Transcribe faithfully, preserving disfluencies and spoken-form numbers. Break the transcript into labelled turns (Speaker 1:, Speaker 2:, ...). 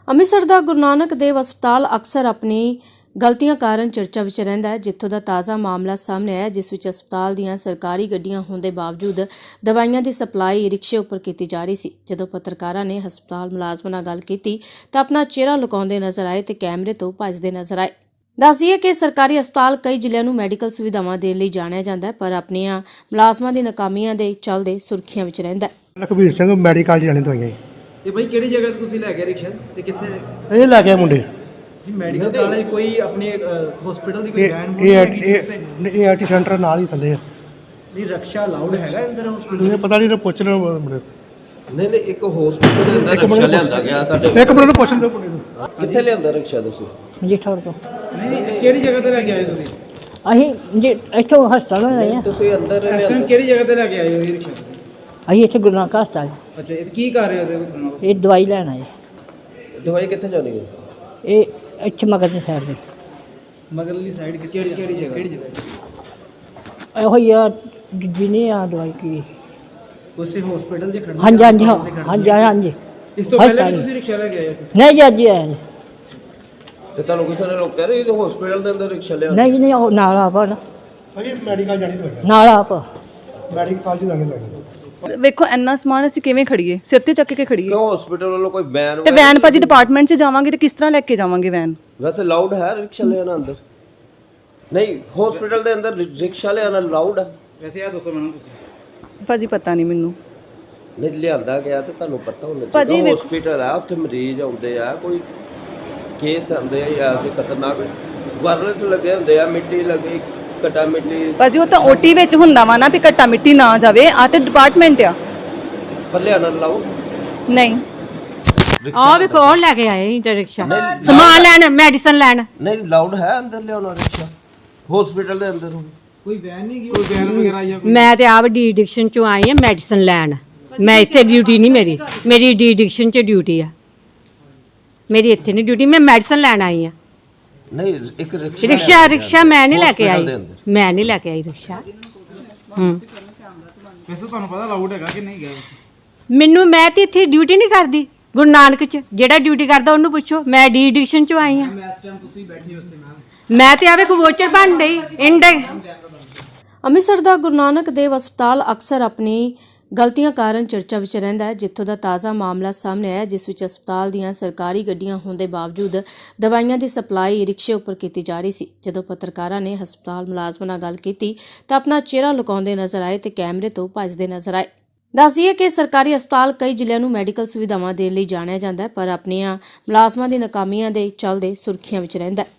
Speaker 1: ਅੰਮ੍ਰਿਤਸਰ ਦਾ ਗੁਰੂ ਨਾਨਕ ਦੇਵ ਹਸਪਤਾਲ ਅਕਸਰ ਆਪਣੀ ਗਲਤੀਆਂ ਕਾਰਨ ਚਰਚਾ ਵਿੱਚ ਰਹਿੰਦਾ ਹੈ। ਜਿੱਥੋਂ ਦਾ ਤਾਜ਼ਾ ਮਾਮਲਾ ਸਾਹਮਣੇ ਆਇਆ ਜਿਸ ਵਿੱਚ ਹਸਪਤਾਲ ਦੀਆਂ ਸਰਕਾਰੀ ਗੱਡੀਆਂ ਹੋਣ ਦੇ ਬਾਵਜੂਦ ਦਵਾਈਆਂ ਦੀ ਸਪਲਾਈ ਰਿਕਸ਼ੇ ਉੱਪਰ ਕੀਤੀ ਜਾ ਰਹੀ ਸੀ। ਜਦੋਂ ਪੱਤਰਕਾਰਾਂ ਨੇ ਹਸਪਤਾਲ ਮੁਲਾਜ਼ਮਾਂ ਨਾਲ ਗੱਲ ਕੀਤੀ ਤਾਂ ਆਪਣਾ ਚਿਹਰਾ ਲੁਕਾਉਂਦੇ ਨਜ਼ਰ ਆਏ ਤੇ ਕੈਮਰੇ ਤੋਂ ਭੱਜਦੇ ਨਜ਼ਰ ਆਏ। ਦੱਸ ਦਈਏ ਕਿ ਸਰਕਾਰੀ ਹਸਪਤਾਲ ਕਈ ਜ਼ਿਲ੍ਹਿਆਂ ਨੂੰ ਮੈਡੀਕਲ ਸੁਵਿਧਾਵਾਂ ਦੇਣ ਲਈ ਜਾਣਿਆ ਜਾਂਦਾ ਹੈ, ਪਰ ਆਪਣੀਆਂ ਮੁਲਾਜ਼ਮਾਂ ਦੀ ਨਾਕਾਮੀਆਂ ਦੇ ਚੱਲਦੇ ਸੁਰਖੀਆਂ ਵਿੱਚ ਰਹਿੰਦਾ ਹੈ।
Speaker 2: ਲਖਬੀਰ ਸਿੰਘ ਮੈਡੀਕਲ ਜਾਣੇ ਦਵਾਈਆਂ
Speaker 3: ਤੇ ਭਾਈ ਕਿਹੜੀ ਜਗ੍ਹਾ ਤੇ ਤੁਸੀਂ ਲੈ ਗਏ ਰਿਕਸ਼ਾ ਤੇ ਕਿੱਥੇ
Speaker 2: ਇਹ ਲੈ ਕੇ ਮੁੰਡੇ
Speaker 3: ਜੀ ਮੈਡੀਕਲ ਵਾਲੇ ਕੋਈ ਆਪਣੇ ਹਸਪੀਟਲ ਦੀ ਕੋਈ
Speaker 2: ਇਹ
Speaker 3: ਵੈਨ
Speaker 2: ਇਹ ਇਹ ਆਰਟੀ ਸੈਂਟਰ ਨਾਲ ਹੀ ਥੱਲੇ ਆ।
Speaker 3: ਨਹੀਂ ਰਕਸ਼ਾ ਅਲਾਉਡ ਹੈਗਾ ਅੰਦਰ ਹਸਪੀਟਲ?
Speaker 2: ਇਹ ਪਤਾ ਨਹੀਂ ਨਾ ਪੁੱਛ ਲਓ ਮੁੰਡੇ
Speaker 4: ਨਹੀਂ ਨਹੀਂ ਇੱਕ ਹਸਪੀਟਲ ਦੇ ਅੰਦਰ ਰਿਕਸ਼ਾ ਲਿਆਂਦਾ ਗਿਆ ਤੁਹਾਡੇ
Speaker 2: ਇੱਕ ਮਿੰਟ ਨੂੰ ਪੁੱਛ ਲਓ ਮੁੰਡੇ ਨੂੰ
Speaker 4: ਕਿੱਥੇ ਲਿਆਂਦਾ ਰਿਕਸ਼ਾ ਤੁਸੀਂ?
Speaker 5: ਜੇਠੌਰ ਤੋਂ।
Speaker 3: ਨਹੀਂ ਨਹੀਂ ਕਿਹੜੀ ਜਗ੍ਹਾ ਤੇ ਲੈ ਕੇ ਆਏ ਤੁਸੀਂ?
Speaker 5: ਅਸੀਂ ਜੇ ਇੱਥੋਂ ਹਸਪਤਾਲ ਆਏ ਹਾਂ।
Speaker 4: ਤੁਸੀਂ ਅੰਦਰ
Speaker 3: ਇਸ ਟਾਈਮ
Speaker 4: ਲਿਆਂਦਾ
Speaker 3: ਕਿਹੜੀ ਜਗ੍ਹਾ ਤੇ ਲੈ ਕੇ ਆਏ ਹੋ ਇਹ ਰਿਕਸ਼ਾ?
Speaker 5: ਅਸੀਂ ਇੱਥੇ ਗੁਰੂ ਨਾਨਕ ਹਸਪਤਾਲ
Speaker 3: ਅੱਛਾ ਇਹ ਕੀ ਕਰ ਰਹੇ ਹੋ ਉਹਦੇ ਵਿੱਚ?
Speaker 5: ਇਹ ਦਵਾਈ ਲੈਣ ਆਏ।
Speaker 4: ਦਵਾਈ ਕਿੱਥੇ ਜਾਣੀ ਹੈ?
Speaker 5: ਇਹ ਇੱਥੇ ਮਗਰ ਦੀ ਸਾਈਡ ਤੇ
Speaker 3: ਮਗਰਲੀ ਸਾਈਡ ਕਿਹੜੀ ਕਿਹੜੀ ਜਗ੍ਹਾ ਕਿਹੜੀ ਜਗ੍ਹਾ?
Speaker 5: ਇਹੋ ਹੀ ਆ ਦੂਜੀ ਨਹੀਂ ਆ ਦਵਾਈ ਕੀ।
Speaker 3: ਉਸੇ ਹਸਪੀਟਲ 'ਚ ਖੜਨਾ?
Speaker 5: ਹਾਂਜੀ ਹਾਂਜੀ ਹਾਂ, ਹਾਂਜੀ ਹਾਂਜੀ।
Speaker 3: ਇਸ ਤੋਂ ਪਹਿਲੇ ਵੀ
Speaker 5: ਹਸਪਤਾਲ।
Speaker 3: ਤੁਸੀਂ ਰਿਕਸ਼ਾ ਲੈ ਕੇ ਆਏ ਹੋ?
Speaker 5: ਨਹੀਂ ਜੀ ਅੱਜ ਹੀ ਆਏ ਜੀ।
Speaker 4: ਤੇ ਤੁਹਾਨੂੰ ਕਿਸੇ ਨੇ ਰੋਕਿਆ ਨਹੀਂ ਹਸਪੀਟਲ ਦੇ ਅੰਦਰ ਰਿਕਸ਼ਾ ਲਿਆਂਦਾ?
Speaker 5: ਨਹੀਂ ਜੀ ਨਹੀਂ ਉਹ ਨਾਲ ਆਪ ਆ ਨਾ,
Speaker 2: ਭਾਈ ਮੈਡੀਕਲ ਜਾਣੀ ਦਵਾਈਆਂ
Speaker 5: ਨਾਲ ਆਪ
Speaker 2: ਮੈਡੀਕਲ ਜੀ ਜਾਣੇ ਦਵਾਈਆਂ।
Speaker 6: ਵੇਖੋ ਇੰਨਾ ਸਮਾਨ ਅਸੀਂ ਕਿਵੇਂ ਖੜੀਏ, ਸਿਰ ਤੇ ਚੱਕ ਕੇ ਖੜੀਏ।
Speaker 4: ਕਿਉਂ ਹਸਪੀਟਲ ਵੱਲੋਂ ਕੋਈ ਵੈਨ
Speaker 6: ਤੇ ਵੈਨ ਭਾਜੀ ਡਿਪਾਰਟਮੈਂਟ 'ਚ ਜਾਵਾਂਗੇ ਤੇ ਕਿਸ ਤਰ੍ਹਾਂ ਲੈ ਕੇ ਜਾਵਾਂਗੇ ਵੈਨ?
Speaker 4: ਵੈਸੇ ਲਾਊਡ ਹੈ ਰਿਕਸ਼ਾ ਲਿਆਣਾ ਅੰਦਰ? ਨਹੀਂ ਹਸਪੀਟਲ ਦੇ ਅੰਦਰ ਰਿਕਸ਼ਾ ਲਿਆਣਾ ਲਾਊਡ ਹੈ?
Speaker 3: ਵੈਸੇ ਆ ਦੱਸੋ ਮੈਨੂੰ ਤੁਸੀਂ।
Speaker 6: ਭਾਜੀ ਪਤਾ ਨਹੀਂ ਮੈਨੂੰ।
Speaker 4: ਨਹੀਂ ਲਿਆਂਦਾ ਗਿਆ ਤੇ ਤੁਹਾਨੂੰ ਪਤਾ ਹੋਣਾ
Speaker 6: ਭਾਜੀ
Speaker 4: ਚਾਹੀਦਾ।
Speaker 6: ਵੇਖੋ-
Speaker 4: ਹਸਪੀਟਲ ਆ ਉੱਥੇ ਮਰੀਜ਼ ਆਉਂਦੇ ਆ, ਕੋਈ ਕੇਸ ਆਉਂਦੇ ਆ ਯਾਰ ਕੋਈ ਖਤਰਨਾਕ ਵਾਇਰਸ ਲੱਗੇ ਹੁੰਦੇ ਆ, ਮਿੱਟੀ ਲੱਗੀ ਕਟਾ ਮਿੱਟੀ
Speaker 6: ਭਾਜੀ ਉਹ ਤਾਂ ਓਟੀ ਵਿੱਚ ਹੁੰਦਾ ਵਾ ਨਾ ਵੀ ਘੱਟਾ ਮਿੱਟੀ ਨਾ ਜਾਵੇ। ਆ ਤੇ ਡਿਪਾਰਟਮੈਂਟ ਆ।
Speaker 4: ਪਰ ਲਿਆਣਾ ਲਾਊਡ
Speaker 6: ਨਹੀਂ
Speaker 7: ਆ ਵੇਖੋ ਉਹ ਲੈ ਕੇ ਆਏ ਇੰਟਰ ਰਿਕਸ਼ਾ ਸਮਾਨ ਲੈਣ ਮੈਡੀਸਨ ਲੈਣ।
Speaker 4: ਨਹੀਂ ਲਾਊਡ ਹੈ ਅੰਦਰ ਲਿਆਉਣਾ ਰਿਕਸ਼ਾ ਹਸਪੀਟਲ ਦੇ ਅੰਦਰ?
Speaker 3: ਕੋਈ ਵੈਨ ਨਹੀਂ ਗਈ? ਕੋਈ ਵੈਨ ਵਗੈਰਾ ਆਈ ਆ?
Speaker 7: ਮੈਂ ਤੇ ਆਪ ਡੀ ਐਡਿਕਸ਼ਨ ਚੋਂ ਆਈ ਹਾਂ ਮੈਡੀਸਨ ਲੈਣ। ਮੈਂ ਇੱਥੇ ਡਿਊਟੀ ਨਹੀਂ ਮੇਰੀ ਮੇਰੀ ਡੀ ਐਡਿਕਸ਼ਨ ਚ ਡਿਊਟੀ ਆ। ਮੇਰੀ ਇੱਥੇ ਨਹੀਂ ਡਿਊਟੀ, ਮੈਂ ਮੈਡੀਸਨ ਲੈਣ ਆਈ ਹਾਂ।
Speaker 4: ਨਹੀਂ ਇੱਕ ਰਿਕਸ਼ਾ
Speaker 7: ਰਿਕਸ਼ਾ ਰਿਕਸ਼ਾ ਮੈਂ ਨਹੀਂ ਲੈ ਕੇ ਆਈ,
Speaker 4: hospital ਦੇ ਅੰਦਰ।
Speaker 7: ਮੈਂ ਨਹੀਂ ਲੈ ਕੇ ਆਈ ਰਿਕਸ਼ਾ। ਹੂੰ
Speaker 3: ਵੈਸੇ ਤੁਹਾਨੂੰ ਪਤਾ ਅਲਾਉਡ ਹੈਗਾ ਕਿ ਨਹੀਂ ਗਿਆ ਵੈਸੇ?
Speaker 7: ਮੈਨੂੰ ਮੈਂ ਤੇ ਇੱਥੇ ਡਿਊਟੀ ਨਹੀਂ ਕਰਦੀ ਗੁਰੂ ਨਾਨਕ ਚ। ਜਿਹੜਾ ਡਿਊਟੀ ਕਰਦਾ ਉਹਨੂੰ ਪੁੱਛੋ। ਮੈਂ ਡੀ ਐਡਿਕਸ਼ਨ ਚੋਂ ਆਈ ਹਾਂ।
Speaker 3: ਇਸ ਟਾਈਮ ਤੁਸੀਂ ਬੈਠੇ ਉੱਥੇ ਮੈਮ।
Speaker 7: ਮੈਂ ਤੇ ਆਵੇ ਕੋ ਵੋਚਰ ਬਣ ਗਈ ਇੰਡ।
Speaker 1: ਅੰਮ੍ਰਿਤਸਰ ਦਾ ਗੁਰੂ ਨਾਨਕ ਦੇਵ ਹਸਪਤਾਲ ਅਕਸਰ ਆਪਣੀ ਗਲਤੀਆਂ ਕਾਰਨ ਚਰਚਾ ਵਿੱਚ ਰਹਿੰਦਾ ਹੈ। ਜਿੱਥੋਂ ਦਾ ਤਾਜ਼ਾ ਮਾਮਲਾ ਸਾਹਮਣੇ ਆਇਆ ਜਿਸ ਵਿੱਚ ਹਸਪਤਾਲ ਦੀਆਂ ਸਰਕਾਰੀ ਗੱਡੀਆਂ ਹੋਣ ਦੇ ਬਾਵਜੂਦ ਦਵਾਈਆਂ ਦੀ ਸਪਲਾਈ ਰਿਕਸ਼ੇ ਉੱਪਰ ਕੀਤੀ ਜਾ ਰਹੀ ਸੀ। ਜਦੋਂ ਪੱਤਰਕਾਰਾਂ ਨੇ ਹਸਪਤਾਲ ਮੁਲਾਜ਼ਮਾਂ ਨਾਲ ਗੱਲ ਕੀਤੀ ਤਾਂ ਆਪਣਾ ਚਿਹਰਾ ਲੁਕਾਉਂਦੇ ਨਜ਼ਰ ਆਏ ਤੇ ਕੈਮਰੇ ਤੋਂ ਭੱਜਦੇ ਨਜ਼ਰ ਆਏ। ਦੱਸ ਦਈਏ ਕਿ ਸਰਕਾਰੀ ਹਸਪਤਾਲ ਕਈ ਜ਼ਿਲ੍ਹਿਆਂ ਨੂੰ ਮੈਡੀਕਲ ਸੁਵਿਧਾਵਾਂ ਦੇਣ ਲਈ ਜਾਣਿਆ ਜਾਂਦਾ ਹੈ, ਪਰ ਆਪਣੀਆਂ ਮੁਲਾਜ਼ਮਾਂ ਦੀ ਨਾਕਾਮੀਆਂ ਦੇ ਚੱਲਦੇ ਸੁਰਖੀਆਂ ਵਿੱਚ ਰਹਿੰਦਾ ਹੈ।